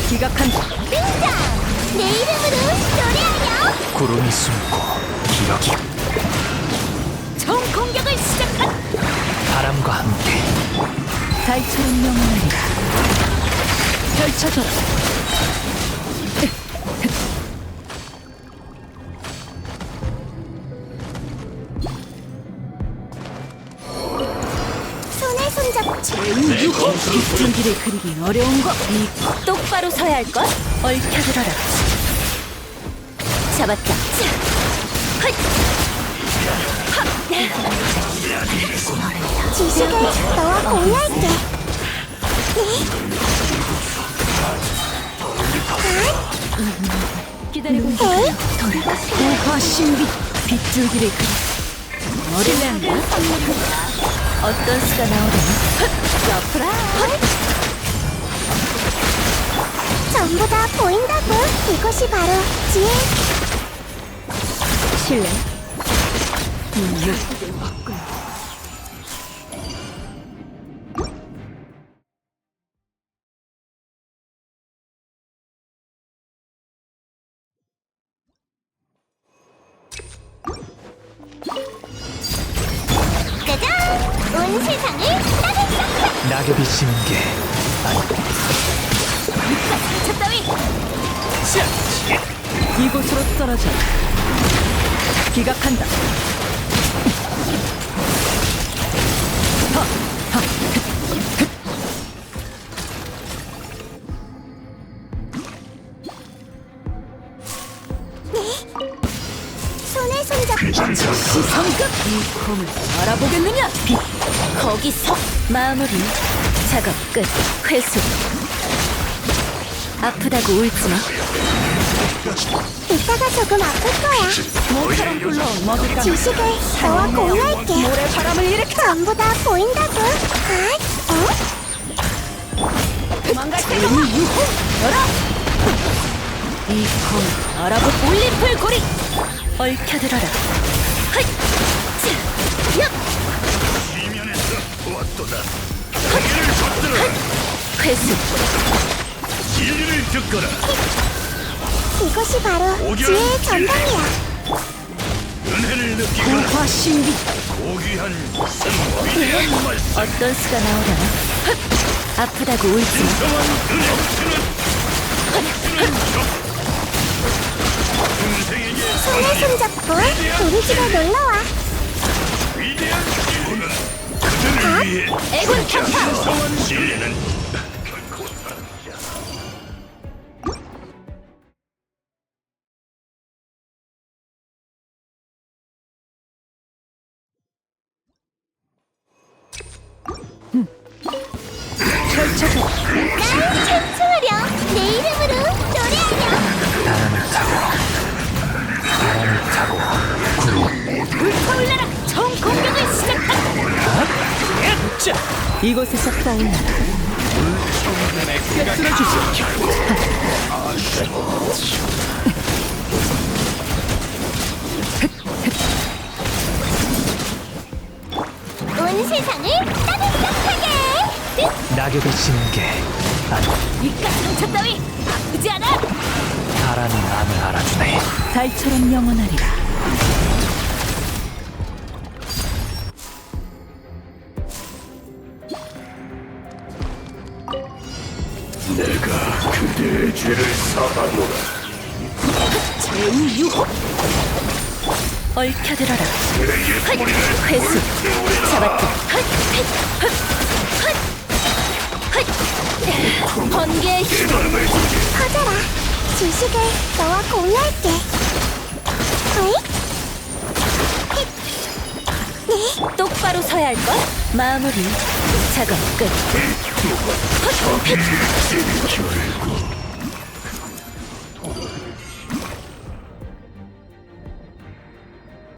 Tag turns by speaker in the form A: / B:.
A: 기각한다.
B: 등장! 내 이름으로 노래하렴!
C: 구름이 숨고 기억이
B: 총 공격을 시작한!
C: 바람과 함께
A: 달처럼 영원하리라. 펼쳐져라.
B: 손에 손잡고
A: 제우유호. 빗줄기를 그리기 어려운 것. 이
B: 똑바로 서야 할걸?
A: 얽혀들어라.
B: 잡았다. 자, 헛! 지식을 너와 공유할게.
A: 기다리고 있어. 고화 신비. 빗줄기를 그리. 어릴랜다. 어떤 수가 나오려나? 서프라이즈.
B: 전부 다 보인다고. 이것이 바로 지혜.
A: 실례.
B: 짜잔! 온 세상을 따뜻하게!
C: 낙엽이 지는 게 아니
B: 저 따위!
A: 이곳으로 떨어져. 기각한다.
B: 손에 손잡고
A: 성급. 이 검을 알아보겠느냐? 빛.
B: 거기서
A: 마무리. 작업 끝. 회수. 아프다고 울지마.
B: 이따가 조금 아플 거야.
A: 모처럼 굴러온 먹을까?
B: 지식을 너와 공유할게.
A: 모래바람을 일으켜.
B: 전부 다 보인다고. 아, 어?
A: 도망갈 때가 유호. 열어. 이 검을 알아보.
B: 올림플 고리!
A: 얽혀들어라.
B: 헛! 자, 얍!
A: 회수.
D: 진리를 듣거라.
B: 이것이 바로 지혜의 전당이야.
D: 은혜를 느끼거라.
A: 고화 신비.
D: 고귀한 성 위대한 말씀.
A: 어떤 수가 나오려나? 아프다고 울지마.
D: 정한 은혜. 중생에게
B: 손에 손잡고 우리 집에 놀러와.
D: 위대한 기호는 그들을 위해
B: 애군 격파!
D: 성한 진리는 결코 사라지지 않아.
A: 펼쳐져.
B: 날 춤추렴! 내 이름으로 노래하렴!
C: 바람을 타고 구름
B: 불타올라라! 총 공격을 시작한!
A: 이곳에서 떠올라라. 쓰러지지.
B: 온 세상을 따뜻하게!
C: 낙엽이 지는 게 아니
B: 이깟 상처 따위 아프지 않아!
C: 바람이 마음을 알아주네.
A: 달처럼 영원하리라.
D: 내가 그대의 죄를 사하노라.
A: 제우유호. 얽혀들어라.
D: 그대의 뿌리를
A: 회수. 잡았다.
B: 번개의 힘 퍼져라. 지식을 너와 공유할게. 어이? 네,
A: 똑바로 서야 할걸? 마무리. 작업 끝.
D: 적이 일으키고